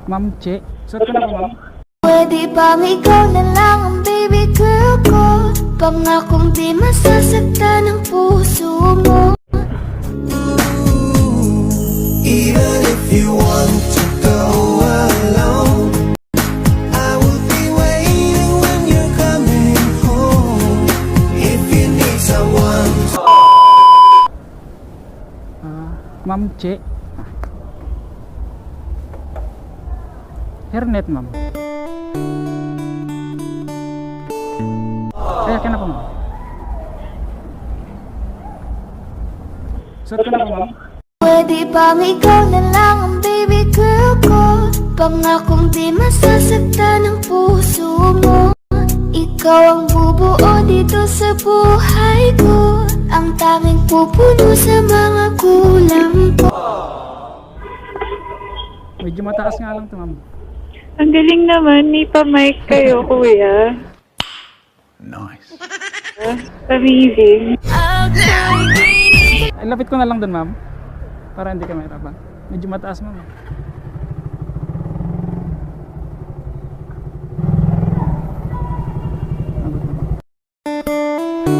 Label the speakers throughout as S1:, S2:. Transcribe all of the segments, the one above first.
S1: Ma'am Che. Suot ko na po, ma'am.
S2: Pwede bang ikaw na lang ang baby girl ko? Pangakong di masasaktan ang puso mo.
S3: Even if you want to go alone, I will be waiting when you're coming home. If you need someone to...
S1: Ma'am Che. Hairnet, ma'am. Ay, akin na po, ma'am. Suot ko na po, ma'am.
S2: Pwede bang ikaw na lang ang baby girl ko? Pangakong di masasaktan ang puso mo. Ikaw ang bubuo dito sa buhay ko, ang tanging pupuno sa mga kulang ko.
S1: Medyo mataas nga lang to, ma'am.
S4: Ang galing naman, may pa-mic kayo, kuya.
S3: Nice.
S4: Amazing.
S1: Ay, lapit ko na lang dun, ma'am. Para hindi ka mahirapan. Medyo mataas, ma'am. Abot na, ma'am.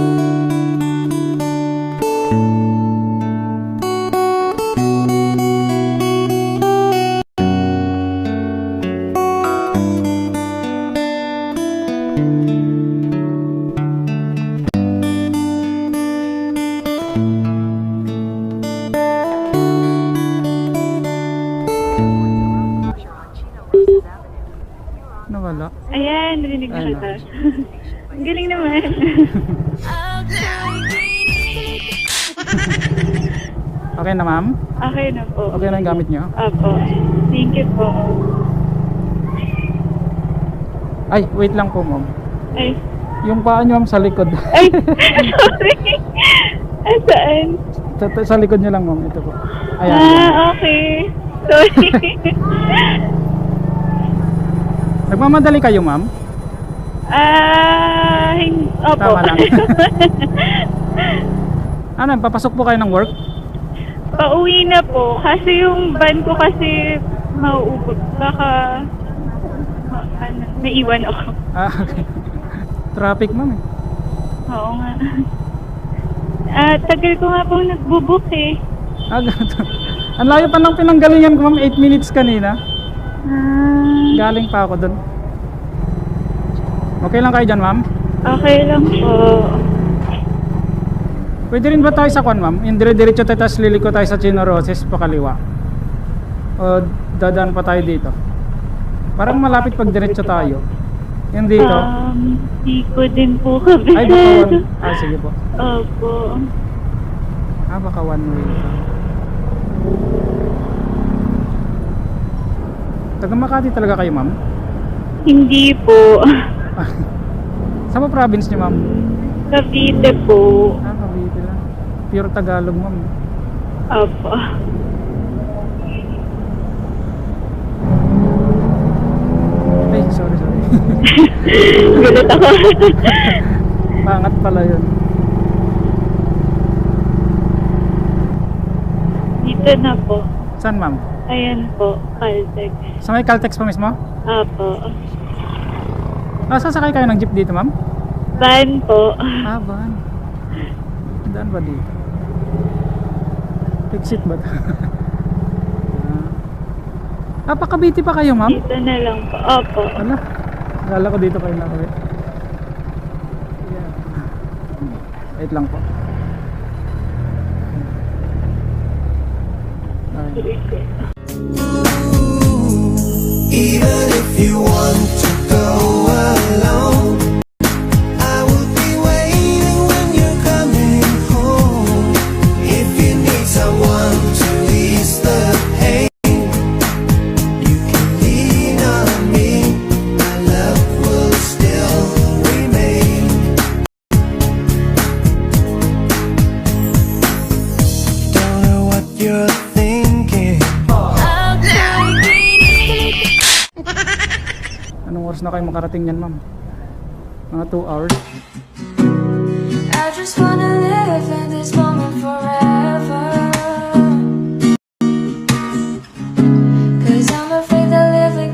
S1: Nawala.
S4: Ayan, narinig na
S1: Ayun
S4: kita. Ang galing naman.
S1: Okay na, ma'am?
S4: Okay na po.
S1: Okay na yung gamit nyo?
S4: Apo. Thank you po.
S1: Ay, wait lang po, ma'am.
S4: Ay.
S1: Yung paa nyo, ma'am, sa likod.
S4: Ay, sorry. Saan?
S1: Sa likod nyo lang, ma'am. Ito po. Ayan.
S4: Okay. Sorry.
S1: Nagmamadali kayo, ma'am?
S4: Opo.
S1: Tama lang. Ano, papasok po kayo ng work?
S4: Pauwi na po. Kasi yung van ko kasi mauubos. Baka naiwan ako.
S1: Okay. Traffic, ma'am, eh.
S4: Oo nga. Tagal ko nga pong nagbubook eh.
S1: Ganito. Ang layo pa ng pinanggalingan ko, ma'am. 8 minutes kanina. Galing pa ako dun. Okay lang kayo dyan, ma'am?
S4: Okay lang po.
S1: Pwede rin ba tayo sa kwan, ma'am? Yung dire-diretso tayo, tapos liliko tayo sa Chino Roses pa kaliwa. O dadaan pa tayo dito? Parang malapit pag diretso tayo. Yung dito.
S4: Di ko din po kabisado.
S1: Ay, baka one. Sige po.
S4: Opo.
S1: Baka one way. Taga Makati talaga kayo, ma'am?
S4: Hindi po.
S1: Saan ba province niyo, ma'am?
S4: Cavite po.
S1: Cavite lang. Pure Tagalog, ma'am.
S4: Opo.
S1: Ay, sorry.
S4: Gulat ako.
S1: Pangat pala yun.
S4: Dito na po.
S1: Saan, ma'am?
S4: Ayan po, Caltex.
S1: Sa may Caltex pa mismo?
S4: Opo.
S1: Sasakay kayo ng jeep dito, ma'am?
S4: Van po.
S1: Van. Daan ba dito? Exit ba ito? Pa Cavite pa kayo, ma'am?
S4: Dito na lang po. Opo.
S1: Ano? Akala ko dito kayo nakawit. Wait lang po.
S3: Even if you want to go alone, I will be waiting when you're coming home. If you need someone to ease the pain, you can lean on me. My love will still remain. Don't know what you're thinking.
S1: Anong oras na kayo makarating yan, ma'am? Mga 2 hours?
S2: I just wanna live in this moment forever, 'cause I'm afraid that living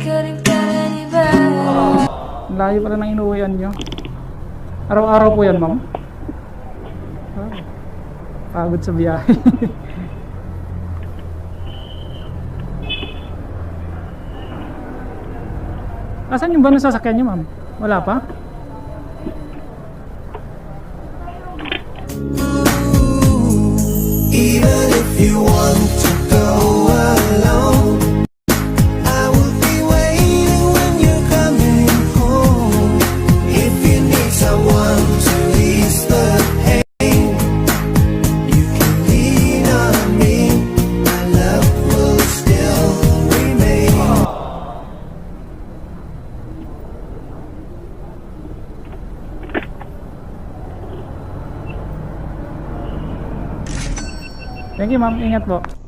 S1: Layo pala ng inuwian nyo. Araw-araw po yan, ma'am? Ah, pagod sa biyahe. Asan yung ba ng sasakyan nyo, ma'am? Wala pa?
S3: Even if you want to go alone, I will be waiting when you're coming home. If you need someone to ease the pain, you can lean on me. My love will still remain.
S1: Thank you, ma'am. Ingat po.